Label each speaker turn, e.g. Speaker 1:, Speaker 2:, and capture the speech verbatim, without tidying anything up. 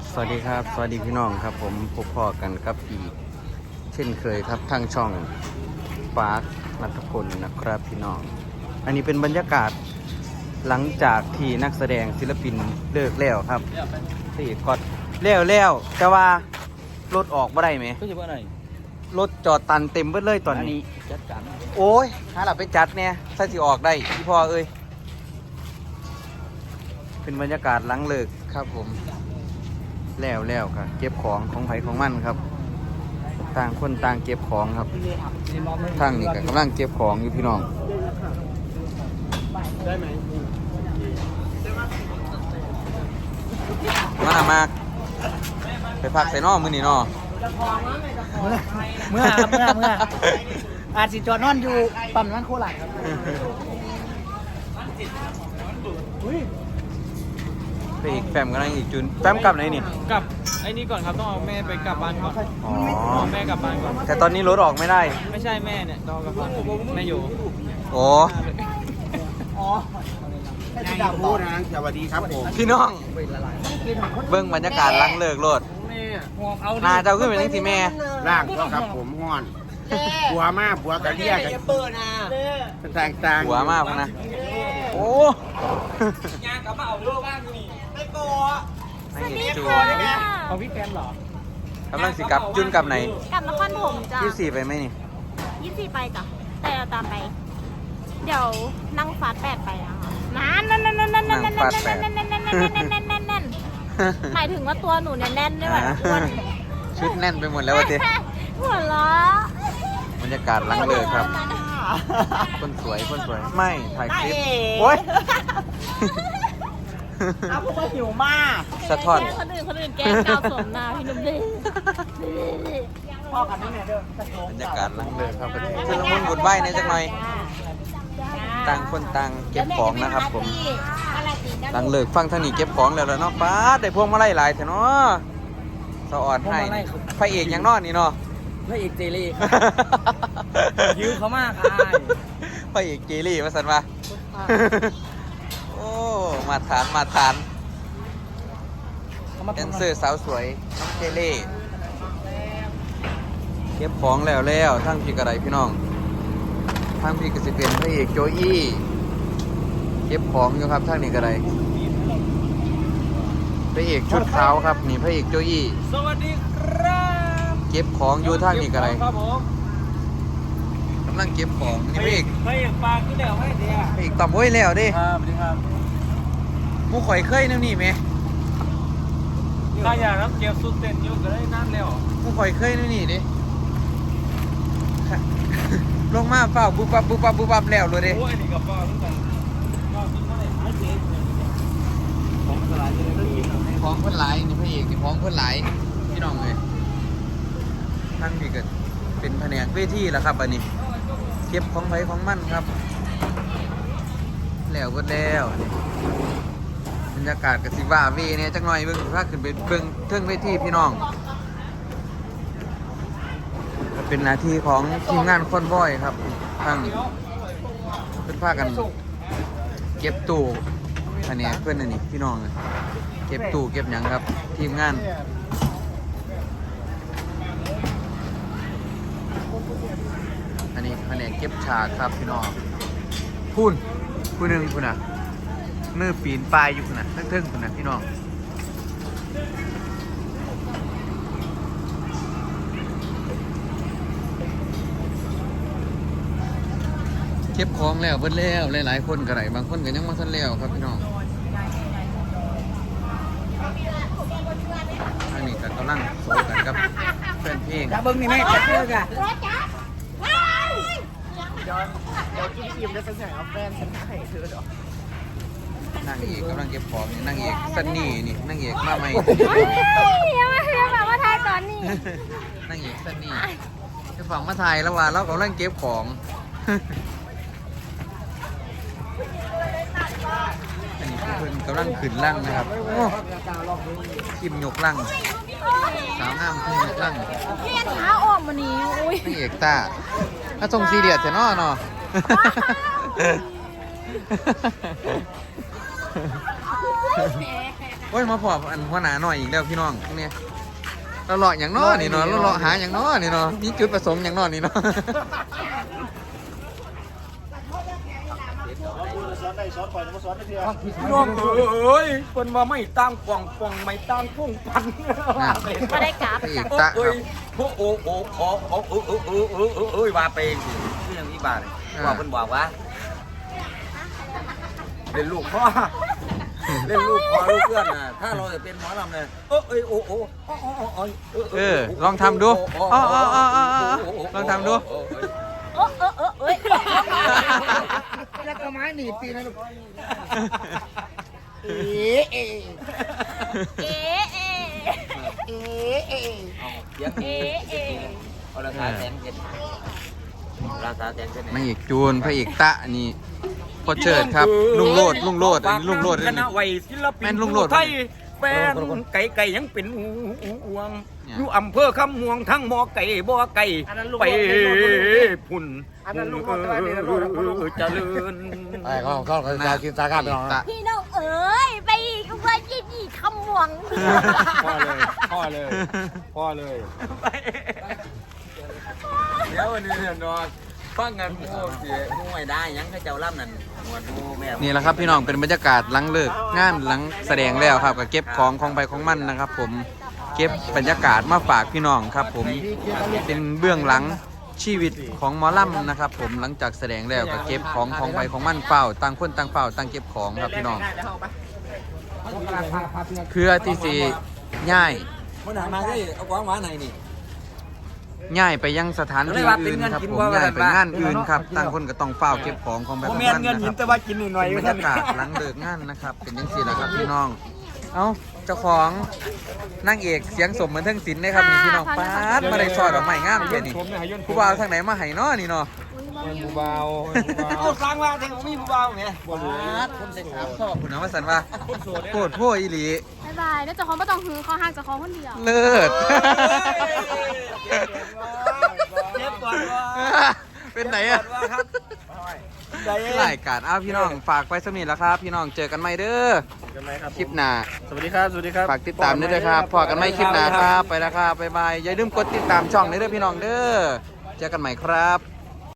Speaker 1: สวัสดีครับสวัสดีพี่น้องครับผมพบพ่อกันครับอีกเช่นเคยครับทางช่องปาร์คนัทพลนะครับพี่น้องอันนี้เป็นบรรยากาศหลังจากที่นักแสดงศิลปินเลิกแล้วครับที่กอดแล้วแล้วแต่ว่ารถออกไม่ได้ไหม
Speaker 2: ก็จะว่าไหน
Speaker 1: รถจอดตันเต็มเบิดเลยตอนนี้
Speaker 2: จัดการ
Speaker 1: โอ้ยหาหลับไปจัดเนี่ยถ้าสิออกได้พี่พ่อเอ้ยเป็นบรรยากาศหลังเลิกครับผมแล้วแล้วครับเก็บของของไผของมันครับต่างคนต่างเก็บของครับทางนี้ก็กำลังเก็บของอยู่พี่น้องได้ไหมมาหมากไปพักใส่นอมือนี่นอ
Speaker 2: เมื่อเมื่อเมื่อเมื่ออาจสิจอดนอนอยู่ปั๊มน้ำมันโคราชครับ
Speaker 1: ไปอีกแฟมกันอีกจุนแฟมกลับไหนนี่
Speaker 3: กลับไอ้นี่ก่อนครับต้องเอาแม่ไปกลับบ้านก่อน
Speaker 1: อ๋อ
Speaker 3: เอาแม่กลับบ้านก่อน
Speaker 1: แต่ตอนนี้รถออกไม่ได้
Speaker 3: ไม่ใช่แม่เนี่ยต้องกลับบ้านแม่อยู่
Speaker 1: โอ้
Speaker 2: อ๋อ
Speaker 4: แม่อยู่พูดนะสวัสดีครับผม
Speaker 1: พี่น้องเบิ้งบรรยากาศหลังเลิกรถนาเจ้าขึ้นไปนั่งสิแม่
Speaker 4: ร่างก็ครับผมห้อนผัวมากผัวกระเดียกันต่างต่าง
Speaker 1: หัวมากนะโอ้
Speaker 3: งานกลับมาเอาลูกบ้านนี่ไม่โกะ
Speaker 1: ไม่เห็นจู
Speaker 3: ของพี่แฟนเหรอก
Speaker 1: ำลังสิกลับจุนกลับไหน
Speaker 5: กลับนครถมจ้ะ
Speaker 1: ยี่สี่ไปไหมนี่
Speaker 5: ยี่สี่ไปจ้ะแต่เราตามไป เดี๋ยวนั่งฟาสแปดไปอ่ะนั่นนั่นนั่นนั่นนั่นนั่นนั่นนั่นนั่นนั่นนั่นนั่นนั่นนั่นนั่นนั่นหมายถึงว่าตัวหนูเนี่ยแน่นด้วยแบบอ้วน
Speaker 1: ชุดแน่นไปหมดแล้ววะเต้
Speaker 5: หัวล้อบ
Speaker 1: รรยากาศหลังเลิกครับคนสวยคนสวยไม่ถ่ายคลิปโอ๊ย
Speaker 2: เอาพวกว่าหิวมาก
Speaker 1: สะท้อน
Speaker 5: คนอื่นคนอื่นแกงกาวสมนาพี่นุ่มดิ
Speaker 2: พ่อกันนี่เนี่ยเด้อบ
Speaker 1: รรยากาศหลังเลิกครับชุดละมุนบุญไหว้ในจังหน่อยต่างคนต่างเก็บของนะครับผมหลังเลิกฟังท่านนี่เก็บของแล้วแล้วเนาะป้าได้พวงมาลัยหลายเถอะเนาะสะอ่อนให้พระเอกยังนอนนี่เนาะ
Speaker 2: พระเอกเจลี่ยื้อเขามากอาย
Speaker 1: พระเอกเจลี่มาสันมาโอ้มาทานมาทานแดนเซอร์สาวสวยน้องเจลี่เก็บของแล้วแล้วทั้งพี่กระไดพี่น้องทั้งพี่กสิเป็นพระเอกโจอี้เก็บของอยู่ครับทั้งนี้กระไดพระเอกชุดขาวครับนี่พระเอกโจอี้
Speaker 3: สวัสดีครับ
Speaker 1: เก็บของอยู่ทั้งนี้กระได
Speaker 3: ครับผม
Speaker 1: กำลังเก็บของนี่พระเอก
Speaker 3: พระเอกปากก็เดี๋ยวให้เดี๋ยว
Speaker 1: พระเอกตอบโว้ยแล้วดิ
Speaker 3: ครับสวัสดีครับ
Speaker 1: มูข่อยเคยนั่นนี่ไหม
Speaker 3: ถ้าอยากรับเก็บสุดเต้นอยู่ก็ได้นั่นแล้ว
Speaker 1: มูข่อยเคยนั่นนี่ดิลงมาเฝ้าบุบบับบุบบับบุบบับแล้วเลยดิ
Speaker 3: โอ้ยนี่กับป้าทุกคนป้าทุกคนเลยหายเจ็บของสลายจะได้ไม่ยินหรอ
Speaker 1: ของเพื่อนหลายนี่พระเอกนี่ของเพื่อนหลายพี่น้องเลยท่านพี่เกิดเป็นแผนกเวทีแล้วครับอันนี้เก็บของไผของมันครับแล้วก็แล้วบรรยากาศกับสิว่าเวเนี่ยจักหน่อยเบิ่งถ้าขึ้นไปเบิ่งเทิงเวทีพี่น้องเป็นหน้าที่ของทีมงานคอนวอยครับทั้งเป็นพากันเก็บตู้แผนกเพื่อนนี่พี่น้องเลยเก็บตู้เก็บหยังครับทีมงานอันนี้แผนกเก็บฉากครับพี่น้องพูนพูนหนึ่งพูนอ่ะมือปีนปลายอยู่พูนอ่ะเทิงๆพูนอ่ะพี่น้องเก็บของแล้วเบิดแล้วหลายๆคนก็ได้บางคนก็ยังไม่ทันแล้วครับพี่น้องอันนี้ก็กำลังโซกันกับแฟนเพลง
Speaker 2: จะเบิ้งนี่แม่จะเชื่อกัน
Speaker 4: ย้อนเดี๋ยวกินอิ่มแล้วฉันใส่เอาแฟนฉันให้เธอหรอ
Speaker 1: นั่งเอกกำลังเก็บของนี่นั่งเอกซันนี่นี่นั่งเอกมาใหม่
Speaker 5: ยังไม่ยังแบบว่าทายตอนนี้
Speaker 1: นั่งเอกซันนี่จะฝั่งมาไทยแล้วว่าเรากำลังเก็บของอันนี้เพื่อนกำลังขึ้นลั่งนะครับทีมยกลั่งสาวงามทีมยกลั่ง
Speaker 5: เพี้ยนขาออกมานี้อุ้ย
Speaker 1: นั่งเอกตาถ้าทรงซีเรียสจะนอเนาะโอ้ยมาพออันหัวหน้าหน่อยอีกแล้วพี่น้องเนี่ยเราเลาะอย่างน้อนี่เนาะเราเลาะหาอย่างน้อนี่เนาะมีจุดประสงค์อย่างน้อนี่เนาะ
Speaker 3: น้องเอ้ยเพิ่นว่าไม่ตั้งป่องป่องไม่ตั้งพุ่งปัน
Speaker 5: ไม่ได้กราฟ
Speaker 1: พระเอก
Speaker 5: จ้ะ
Speaker 1: ตะครับ
Speaker 3: โอ้โอ้โอ้ขอขอเออเออเออเออเออเอ้ยว่าไปสิคืออย่างนี้บาทว่าเพิ่นบอกว่าเล่นลูกพ่อเล่นลูกพ่อลูกเพื่อนน่ะถ้าเราจะเป็นหมอลำเนี่ยเออเอ้ยโอ้โอ้
Speaker 1: เออลองทำดูอ๋ออ๋ออ๋ออ๋อลองทำดู
Speaker 5: เออเออเออเอ้ย
Speaker 4: แล้วก็ไม้หนีบตีนะลูก
Speaker 5: เอ๊ะเอ๊ะ
Speaker 4: เอ๊ะเอ๊ะ
Speaker 3: เสียง
Speaker 5: เอ๊ะเอ๊ะ
Speaker 3: เอาราคาแสนเจ็ดราคาแสนเจ็ด
Speaker 1: นางเอกจูนพระเอกตะนี่พ่อเชิดครับลุงโลดลุงโลดอันนี้ลุงโลด
Speaker 3: ค
Speaker 1: อัน
Speaker 3: ณะ
Speaker 1: นี้
Speaker 3: วัยศิลปิน
Speaker 1: แม่นลุงโลด
Speaker 3: ไทยแฟนไก่ไก่ยังเป็นห่วงอยู่อำเภอคำม่วงทั้งหมอไก่บ่อไก่ไปพุ่นเจริญ
Speaker 4: ไอ้เขาเขาเขาจะกินสาขาไปหรอ
Speaker 1: ตะ
Speaker 5: พี่น้องเอ๋ยไปอีกว่ายี่ยี่คำหวง
Speaker 3: พ่อเลยพ่อเลยพ่อเลยเดี๋ยววันนี้เนี่ยนอนฟังกันโอ้เสียมูไม่ได้ยังให้เจ้าล่ำนั่นหมวดมูแม่
Speaker 1: นี่แหละครับพี่น้องเป็นบรรยากาศหลังเลิกงานหลังแสดงแล้วครับก็เก็บของของไปของมันนะครับ ผมเก็บบรรยากาศมาฝากพี่น้องครับ ผมเป็นเบื้องหลังชีวิตของหมอลำนะครับ ผมหลังจากแสดงแล้วก็เก็บของของไปของมันเฝ้าต่างคนต่างเฝ้าต่างเก็บของครับพี่น้องเพื่อที่สิย้าย
Speaker 3: มันหามาได้เอาของมาไหนนี่
Speaker 1: ย้ายไปยังสถานที่อื่นครับผมย้ายไปงานอื่นครับต่างคนก็ต้องเฝ้าเก็บของของไปของ
Speaker 3: โม
Speaker 1: มัน
Speaker 3: เมน
Speaker 1: นะ
Speaker 3: เงิน
Speaker 1: ค
Speaker 3: หิน
Speaker 1: รับ
Speaker 3: แต่ว่ากินหน่อย
Speaker 1: บรรยากาศหลังเลิกงานนะครับ เป็นยังสี่แหละครับพี่น้อง เอ้าเจ้าของนางเอกเสียงสมเหมือนเทั้งศิลป์เลยครับนี่พี่น้องป๊าดมาได้ซอยดอกไม้งามแค่นี้ผู้บ่าวทางไหนมาให้น้อนี่เนาะ
Speaker 3: ผู้เบาเอาสร้างว่าแทงมีผู้เบาไง
Speaker 1: ป๊าดคนเสร็จสามชอบคุณนะว่าสันว่าโคตรพ่ออีหลี
Speaker 5: บายบายแล้วเจะของไม่ต้องหือเขาห่างจากของคนเดียว
Speaker 1: เลิศ
Speaker 3: เจ็บก่อนว่า
Speaker 1: เป็นไหนอะรายการอ้าวพี่น้องฝากไปสมิธแล้วครับ พี่น้องเจอกันใหม่เด้อคลิปหน้า
Speaker 3: สวัสดีครับสวัสดีครับ
Speaker 1: ฝากติดตามด้วยนะครับพอกันใหม่คลิปหน้าครับไปแล้วครับบ๊ายบายอย่าลืมกดติดตามช่องนี้เด้อพี่น้องเด้อเจอกันใหม่ครับ